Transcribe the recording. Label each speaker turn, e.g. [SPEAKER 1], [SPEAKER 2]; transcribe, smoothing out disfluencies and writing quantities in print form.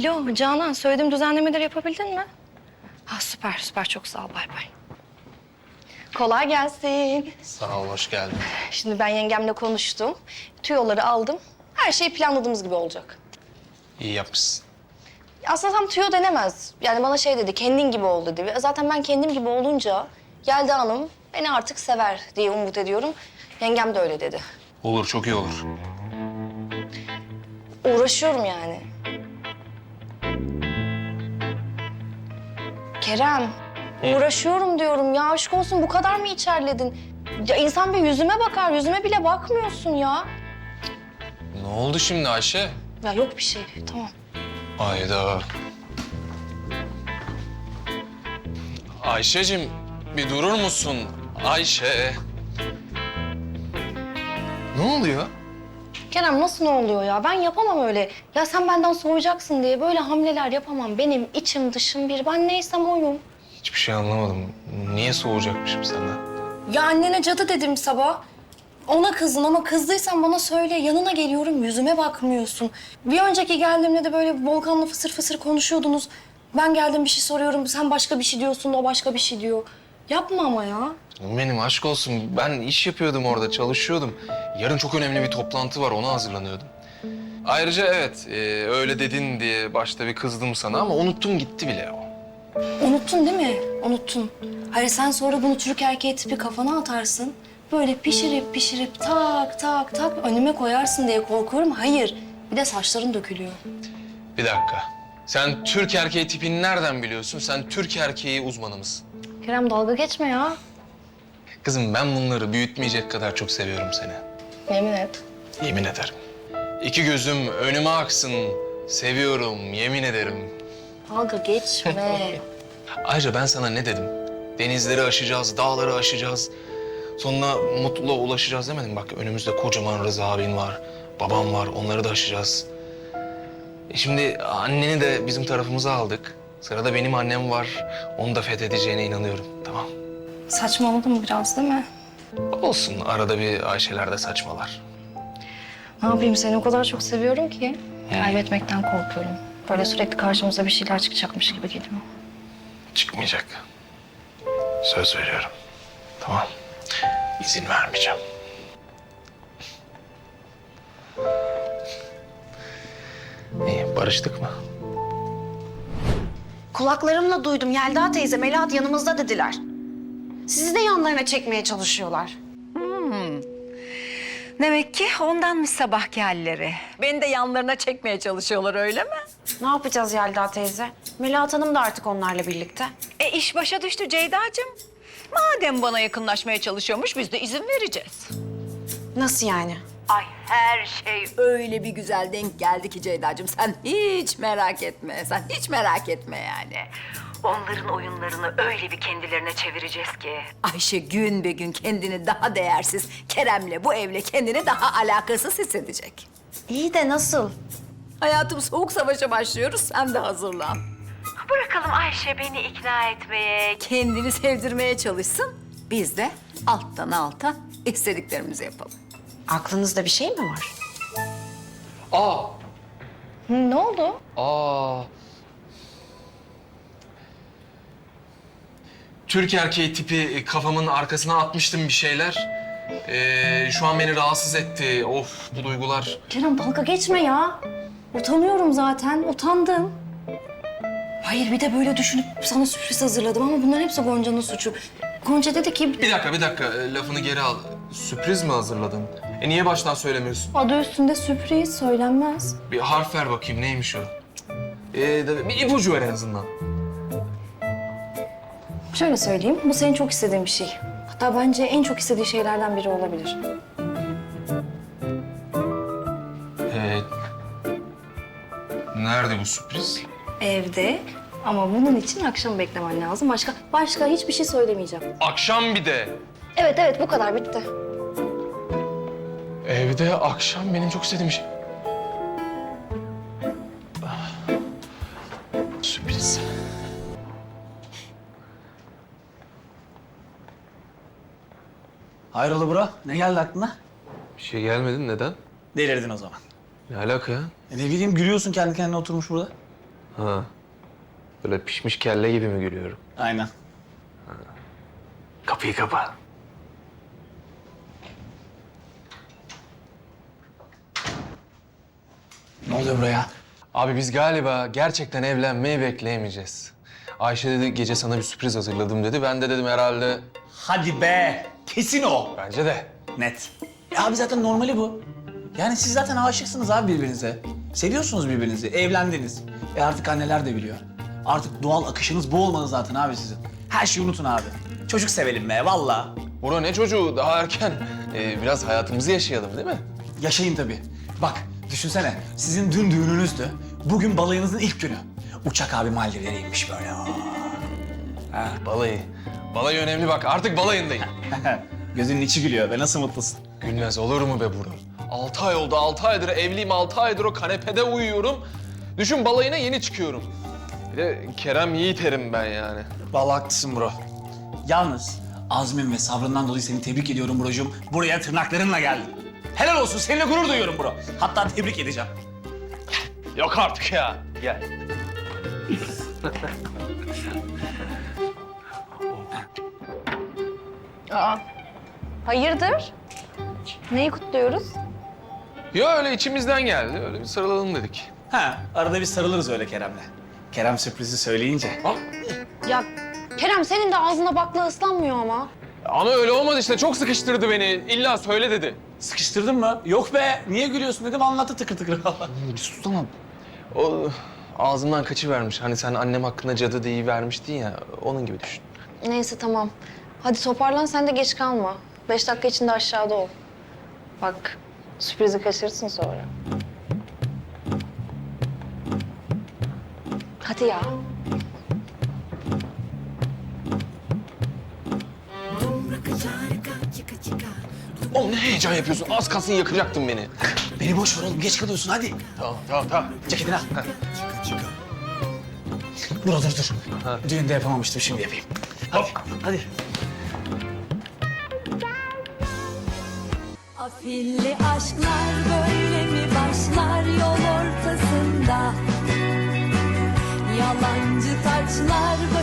[SPEAKER 1] Alo Canan, söylediğim düzenlemeleri yapabildin mi? Ha süper süper, çok sağ ol, bay bay. Kolay gelsin.
[SPEAKER 2] Sağ ol, hoş geldin.
[SPEAKER 1] Şimdi ben yengemle konuştum. Tüyoları aldım. Her şey planladığımız gibi olacak.
[SPEAKER 2] İyi yapmışsın.
[SPEAKER 1] Aslında tam tüyo denemez. Yani bana şey dedi, kendin gibi ol dedi. Ve zaten ben kendim gibi olunca Yelda Hanım beni artık sever diye umut ediyorum. Yengem de öyle dedi.
[SPEAKER 2] Olur, çok iyi olur.
[SPEAKER 1] Uğraşıyorum yani. Kerem, uğraşıyorum diyorum ya. Aşk olsun, bu kadar mı içerledin? Ya insan bir yüzüme bakar, yüzüme bile bakmıyorsun ya.
[SPEAKER 2] Ne oldu şimdi Ayşe?
[SPEAKER 1] Ya yok bir şey, tamam.
[SPEAKER 2] Ayda. Ayşe'cim, bir durur musun? Ayşe. Ne oluyor?
[SPEAKER 1] Kerem nasıl ne oluyor ya? Ben yapamam öyle. Ya sen benden soğuyacaksın diye böyle hamleler yapamam. Benim içim dışım bir. Ben neysem oyum.
[SPEAKER 2] Hiçbir şey anlamadım. Niye soğuyacakmışım senden?
[SPEAKER 1] Ya annene cadı dedim sabah. Ona kızdın ama kızdıysan bana söyle. Yanına geliyorum, yüzüme bakmıyorsun. Bir önceki geldiğimde de böyle Volkan'la fısır fısır konuşuyordunuz. Ben geldim bir şey soruyorum, sen başka bir şey diyorsun, o başka bir şey diyor. Yapma ama ya.
[SPEAKER 2] Benim aşk olsun. Ben iş yapıyordum orada, çalışıyordum. Yarın çok önemli bir toplantı var, ona hazırlanıyordum. Ayrıca evet, öyle dedin diye başta bir kızdım sana ama unuttum gitti bile o.
[SPEAKER 1] Unuttun değil mi? Unuttun. Hayır sen sonra bunu Türk erkeği tipi kafana atarsın. Böyle pişirip pişirip tak tak tak önüme koyarsın diye korkuyorum. Hayır. Bir de saçların dökülüyor.
[SPEAKER 2] Bir dakika. Sen Türk erkeği tipini nereden biliyorsun? Sen Türk erkeği uzmanı mısın?
[SPEAKER 1] Kerem dalga geçme ya.
[SPEAKER 2] Kızım ben bunları büyütmeyecek kadar çok seviyorum seni.
[SPEAKER 1] Yemin et.
[SPEAKER 2] Yemin ederim. İki gözüm önüme aksın. Seviyorum, yemin ederim.
[SPEAKER 1] Dalga geçme.
[SPEAKER 2] Ayrıca ben sana ne dedim? Denizleri aşacağız, dağları aşacağız. Sonra mutluluğa ulaşacağız demedim. Bak önümüzde kocaman Rıza abin var, babam var. Onları da aşacağız. Şimdi anneni de bizim tarafımıza aldık. Sırada benim annem var. Onu da fethedeceğine inanıyorum. Tamam.
[SPEAKER 1] Saçmaladım biraz değil mi?
[SPEAKER 2] Olsun. Arada bir Ayşeler de saçmalar.
[SPEAKER 1] Ne yapayım, seni o kadar çok seviyorum ki. Kaybetmekten korkuyorum. Böyle sürekli karşımıza bir şeyler çıkacakmış gibi geliyor.
[SPEAKER 2] Çıkmayacak. Söz veriyorum. Tamam. İzin vermeyeceğim. İyi, barıştık mı?
[SPEAKER 3] Kulaklarımla duydum. Yelda teyze, Melahat yanımızda dediler. Sizi de yanlarına çekmeye çalışıyorlar.
[SPEAKER 4] Demek ki ondanmış sabahki halleri. Beni de yanlarına çekmeye çalışıyorlar öyle mi?
[SPEAKER 3] Ne yapacağız Yelda teyze? Melahat Hanım da artık onlarla birlikte.
[SPEAKER 4] İş başa düştü Ceyda'cığım. Madem bana yakınlaşmaya çalışıyormuş biz de izin vereceğiz.
[SPEAKER 3] Nasıl yani?
[SPEAKER 4] Ay her şey öyle bir güzel denk geldi ki Ceyda'cığım. Sen hiç merak etme, sen hiç merak etme yani. Onların oyunlarını öyle bir kendilerine çevireceğiz ki. Ayşe gün be gün kendini daha değersiz, Kerem'le bu evle kendini daha alakasız hissedecek.
[SPEAKER 3] İyi de nasıl?
[SPEAKER 4] Hayatım soğuk savaşa başlıyoruz, sen de hazırlan. Bırakalım Ayşe beni ikna etmeye, kendini sevdirmeye çalışsın. Biz de alttan alta istediklerimizi yapalım.
[SPEAKER 3] Aklınızda bir şey mi var?
[SPEAKER 2] Aa!
[SPEAKER 1] Ne oldu?
[SPEAKER 2] Aa! Türk erkeği tipi kafamın arkasına atmıştım bir şeyler. Şu an beni rahatsız etti. Of bu duygular.
[SPEAKER 1] Kerem dalga geçme ya. Utanıyorum zaten, utandım. Hayır bir de böyle düşünüp sana sürpriz hazırladım ama bunların hepsi Gonca'nın suçu. Gonca dedi ki
[SPEAKER 2] Bir dakika. Lafını geri al. Sürpriz mi hazırladın? Niye baştan söylemiyorsun?
[SPEAKER 1] adı üstünde sürpriz söylenmez.
[SPEAKER 2] Bir harf ver bakayım neymiş o? Bir ipucu ver en azından.
[SPEAKER 1] Şöyle söyleyeyim, bu senin çok istediğin bir şey. Hatta bence en çok istediği şeylerden biri olabilir.
[SPEAKER 2] Nerede bu sürpriz?
[SPEAKER 1] Evde ama bunun için akşam beklemen lazım. Başka hiçbir şey söylemeyeceğim.
[SPEAKER 2] Akşam bir de.
[SPEAKER 1] Evet bu kadar bitti.
[SPEAKER 2] Evde akşam benim çok istediğim şey. Sürpriz.
[SPEAKER 5] Hayrola bro? Ne geldi aklına?
[SPEAKER 2] Bir şey gelmedi neden?
[SPEAKER 5] Delirdin o zaman.
[SPEAKER 2] Ne alaka ya?
[SPEAKER 5] Ne bileyim gülüyorsun kendi kendine oturmuş burada.
[SPEAKER 2] Ha. Böyle pişmiş kelle gibi mi gülüyorum?
[SPEAKER 5] Aynen.
[SPEAKER 2] Kapıyı kapa.
[SPEAKER 5] Ne oluyor buraya?
[SPEAKER 2] Abi biz galiba gerçekten evlenmeyi bekleyemeyeceğiz. Ayşe dedi gece sana bir sürpriz hazırladım dedi. Ben de dedim herhalde
[SPEAKER 5] Hadi be. Kesin o.
[SPEAKER 2] bence de.
[SPEAKER 5] Net. Abi zaten normali bu. Yani siz zaten aşıksınız abi birbirinize. Seviyorsunuz birbirinizi. Evlendiniz. Artık anneler de biliyor. Artık doğal akışınız bu olmalı zaten abi sizin. Her şeyi unutun abi. Çocuk sevelim be vallahi.
[SPEAKER 2] Bro ne çocuğu daha erken. Biraz hayatımızı yaşayalım değil mi?
[SPEAKER 5] Yaşayın tabii. Bak düşünsene sizin dün düğününüzdü. Bugün balayınızın ilk günü. Uçak abi Maldivlere inmiş böyle.
[SPEAKER 2] Balayı. Balayı önemli bak artık balayındayım.
[SPEAKER 5] Gözünün içi gülüyor be nasıl mutlusun.
[SPEAKER 2] Gülmez olur mu be bro? 6 ay oldu, 6 aydır evliyim, 6 aydır o kanepede uyuyorum. Düşün balayına yeni çıkıyorum. Bir de Kerem Yiğiter'im ben yani.
[SPEAKER 5] Vallahi haklısın bro. Yalnız azmin ve sabrından dolayı seni tebrik ediyorum brocuğum. Buraya tırnaklarınla geldin. Helal olsun seninle gurur duyuyorum bro. Hatta tebrik edeceğim.
[SPEAKER 2] Yok artık ya. Gel.
[SPEAKER 1] Hayırdır? Neyi kutluyoruz?
[SPEAKER 2] Ya öyle içimizden geldi. Öyle bir sarılalım dedik.
[SPEAKER 5] Ha arada bir sarılırız öyle Kerem'le. Kerem sürprizi söyleyince.
[SPEAKER 1] Ya Kerem senin de ağzına bakla ıslanmıyor ama.
[SPEAKER 2] Ama öyle olmadı işte. Çok sıkıştırdı beni. İlla söyle dedi.
[SPEAKER 5] Sıkıştırdın mı? Yok be niye gülüyorsun dedim anlattı tıkır tıkır.
[SPEAKER 2] Bir sus tamam. O ağzımdan kaçıvermiş. Hani sen annem hakkında cadı deyivermiştin ya. Onun gibi düşün.
[SPEAKER 1] Neyse tamam. Hadi toparlan sen de geç kalma. 5 dakika içinde aşağıda ol. Bak sürprizi kaçırırsın sonra. Hadi ya.
[SPEAKER 2] Oğlum ne heyecan yapıyorsun? Az kalsın yakacaktın beni.
[SPEAKER 5] Beni boş ver oğlum geç kalıyorsun hadi.
[SPEAKER 2] Tamam.
[SPEAKER 5] Ceketini al. Dur. Düğünde yapamamıştım şimdi yapayım. Hop hadi.
[SPEAKER 6] Afilli aşklar böyle mi başlar yol ortasında? Yalancı taçlar